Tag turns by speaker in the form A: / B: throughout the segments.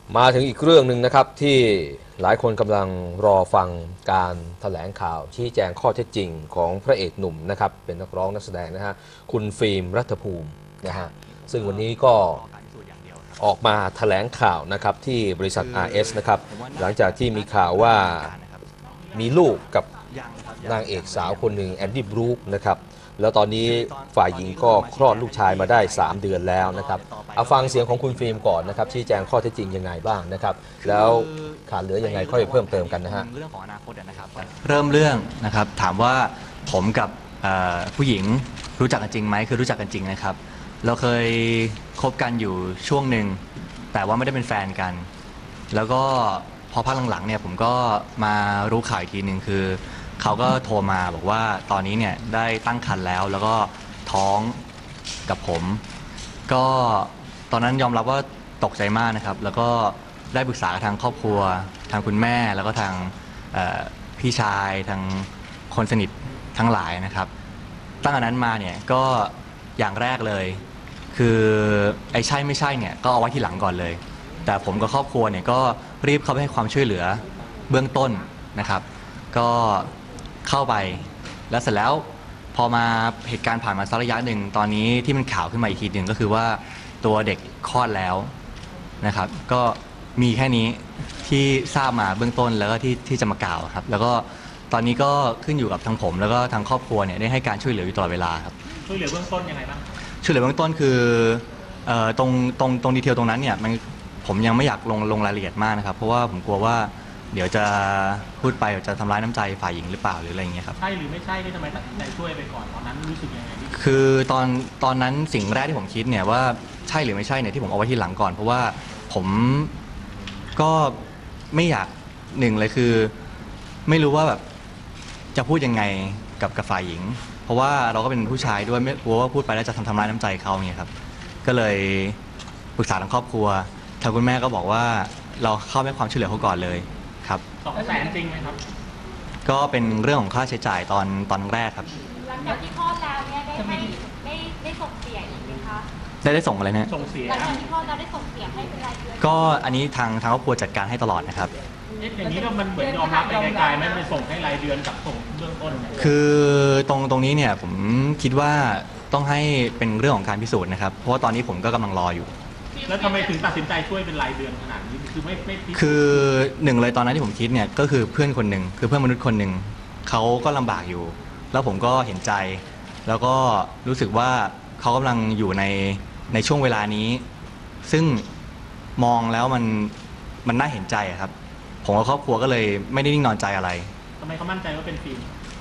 A: มาถึงอีกเรื่องหนึ่งนะครับที่หลายคนกำลังรอฟังการแถลงข่าวชี้แจงข้อเท็จจริงของพระเอกหนุ่มนะครับเป็นนักร้องนักแสดงนะฮะคุณฟิล์มรัฐภูมินะฮะซึ่งวันนี้ก็ออกมาแถลงข่าวนะครับที่บริษัท RS นะครับหลังจากที่มีข่าวว่ามีลูกกับนางเอกสาวคนหนึ่งแอนดี้บรูคนะครับแล้วตอนนี้ฝ่ายหญิงก็คลอดลูกชายมาได้3 เดือนแล้วนะครับเอาฟังเสียงของคุณฟิล์มก่อนนะครับชี้แจงข้อเท็จจริงยังไงบ้างนะครับแล้วขาดเหลือยังไงค่อยเพิ่มเติมกันนะฮะ
B: เรื่องของอนาคตนะครับเริ่มเรื่องนะครับถามว่าผมกับผู้หญิงรู้จักกันจริงไหมคือรู้จักกันจริงนะครับเราเคยคบกันอยู่ช่วงหนึ่งแต่ว่าไม่ได้เป็นแฟนกันแล้วก็พอพักหลังๆเนี่ยผมก็มารู้ข่าวอีกทีหนึ่งคือเขาก็โทรมาบอกว่าตอนนี้เนี่ยได้ตั้งครรภ์แล้วแล้วก็ท้องกับผมก็ตอนนั้นยอมรับว่าตกใจมากนะครับแล้วก็ได้ปรึกษากับทางครอบครัวทางคุณแม่แล้วก็ทางพี่ชายทางคนสนิททั้งหลายนะครับตั้งแต่นั้นมาเนี่ยก็อย่างแรกเลยคือไอ้ใช่ไม่ใช่เนี่ยก็เอาไว้ที่หลังก่อนเลยแต่ผมกับครอบครัวเนี่ยก็รีบเข้าไปให้ความช่วยเหลือเบื้องต้นนะครับก็เข้าไปแล้วเสร็จแล้วพอมาเหตุการณ์ผ่านมาสักระยะหนึ่งตอนนี้ที่มันข่าวขึ้นมาอีกทีหนึ่งก็คือว่าตัวเด็กคลอดแล้วนะครับก็มีแค่นี้ที่ทราบมาเบื้องต้นแล้วก็ที่จะมากล่าวครับแล้วก็ตอนนี้ก็ขึ้นอยู่กับทางผมแล้วก็ทางครอบครัวเนี่ยได้ให้การช่วยเหลืออยู่ตลอดเวลาครับ
C: ช่วยเหลือเบื้องต้นยังไงบ้าง
B: ช่วยเหลือเบื้องต้นคือตรงดีเทลตรงนั้นเนี่ยผมยังไม่อยากลงรายละเอียดมากนะครับเพราะว่าผมกลัวว่าเดี๋ยวจะพูดไปเดี๋ยวจะทำร้ายน้ำใจฝ่ายหญิงหรือเปล่าหรืออะไรอย่างเงี้ยครับ
C: ใช่หรือไม่ใช่ที่ทำไมตัดสินใจช่วยไปก่อนตอนนั้นรู้สึกยังไง
B: คือตอนนั้นสิ่งแรกที่ผมคิดเนี่ยว่าใช่หรือไม่ใช่เนี่ยที่ผมเอาไว้ที่หลังก่อนเพราะว่าผมก็ไม่อยากหนึ่งเลยคือไม่รู้ว่าแบบจะพูดยังไงกับฝ่ายหญิงเพราะว่าเราก็เป็นผู้ชายด้วยไม่กลัวว่าพูดไปแล้วจะทำร้ายน้ำใจเขาเนี่ยครับก็เลยปรึกษาทางครอบครัวทางคุณแม่ก็บอกว่าเราเข้าให้ความช่วยเหลือเขาก่อนเลยครับ
C: 200,000จริงไหมครับ
B: ก็เป็นเรื่องของค่าใช้จ่ายตอนแรกครับ
D: หลังจากที่คลอดแล้วเนี่ยได้ส่งเสียอีกไหมคะ
B: ได้ส่งอะไรนะ
C: ส่งเสีย
D: หลังจากที่คลอดแล้วได้ส่งเสียให้เป็นรายเดือน
B: ก็อันนี้ทางครอบครัวจัดการให้ตลอดนะครับ
C: อย่างนี้ก็มันเหมือนยอมรับไปไกลๆไม่ไปส่งให้รายเดือนกับส่งเบื้องต้น
B: คือตรงนี้เนี่ยผมคิดว่าต้องให้เป็นเรื่องของการพิสูจน์นะครับเพราะว่าตอนนี้ผมก็กำลังรออยู่
C: แล้วทำไมถึงตัดสินใจช่วยเป็นรายเดือนขนาดนี้คือไม่
B: คือหนึ่งเลยตอนนั้นที่ผมคิดเนี่ยก็คือเพื่อนคนหนึ่งคือเพื่อนมนุษย์คนหนึ่งเขาก็ลำบากอยู่แล้วผมก็เห็นใจแล้วก็รู้สึกว่าเขากำลังอยู่ในช่วงเวลานี้ซึ่งมองแล้วมันน่าเห็นใจครับผมกับครอบครัวก็เลยไม่ได้นิ่งนอนใจอะไร
C: ทำไมเขามั่นใจว่าเป็นฟิล์ม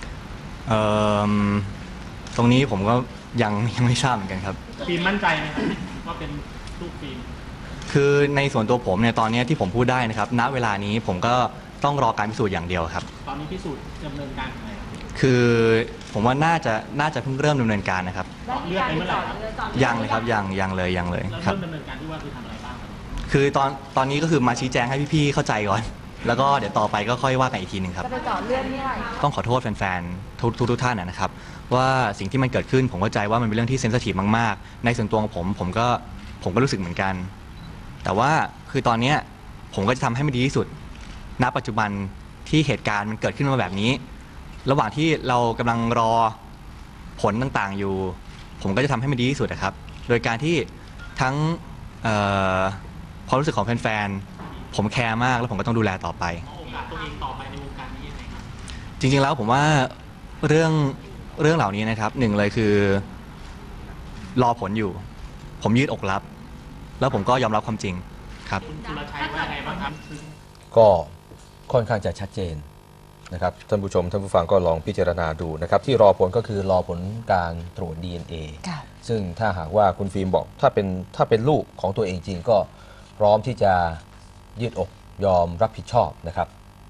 B: ตรงนี้ผมก็ยังไม่ทราบเหมือนกันครับ
C: ฟิล์มมั่นใจไหมครับว่าเป็นลูกฟิล์ม
B: คือในส่วนตัวผมเนี่ยตอนนี้ที่ผมพูดได้นะครับณเวลานี้ผมก็ต้องรอการพิสูจน์อย่างเดียวครับ
C: ตอนนี้พิสูจน์ดำเนินการยังไง
B: คือผมว่าน่าจะเพิ่งเริ่มดำเนินการนะครับ
C: เลือดไปเมื่อไหร่ครับ
B: ยังเลยครับยังเลย
C: ครับเริ่มดำเนินการที่ว่าคือทำอะไรบ้าง
B: คือตอนนี้ก็คือมาชี้แจงให้พี่ๆเข้าใจก่อนแล้วก็เดี๋ยวต่อไปก็ค่อยว่ากันอีกทีหนึ่งครับ
D: จะไปเจาะเลือดนี่ไหม
B: ต้องขอโทษแฟนๆทุกท่านนะครับว่าสิ่งที่มันเกิดขึ้นผมเข้าใจว่ามันเป็นเรื่องที่เซนซิทีฟมากๆในส่วนตัวของผมก็รู้สึกเหมือนกันแต่ว่าคือตอนนี้ผมก็จะทำให้มันดีที่สุดณปัจจุบันที่เหตุการณ์มันเกิดขึ้นมาแบบนี้ระหว่างที่เรากำลังรอผลต่างๆอยู่ผมก็จะทำให้มันดีที่สุดนะครับโดยการที่ทั้งความรู้สึกของแฟนๆผมแคร์มากแล้วผมก็ต้องดูแลต่อไป
C: โอกาสตัวเองต่อไปในวงการนี้ยังไงครับ
B: จริงๆแล้วผมว่าเรื่องเหล่านี้นะครับหนึ่งเลยคือรอผลอยู่ผมยืดอกรับแล้วผมก็ยอมรับความจริงครับ
C: คุณสุรชัยว่าไงบ้างครับ
A: ก็ค่อนข้างจะชัดเจนนะครับท่านผู้ชมท่านผู้ฟังก็ลองพิจารณาดูนะครับที่รอผลก็คือรอผลการตรวจ DNA ซึ่งถ้าหากว่าคุณฟิล์มบอกถ้าเป็นลูกของตัวเองจริงก็พร้อมที่จะยืดอกยอมรับผิดชอบนะครับ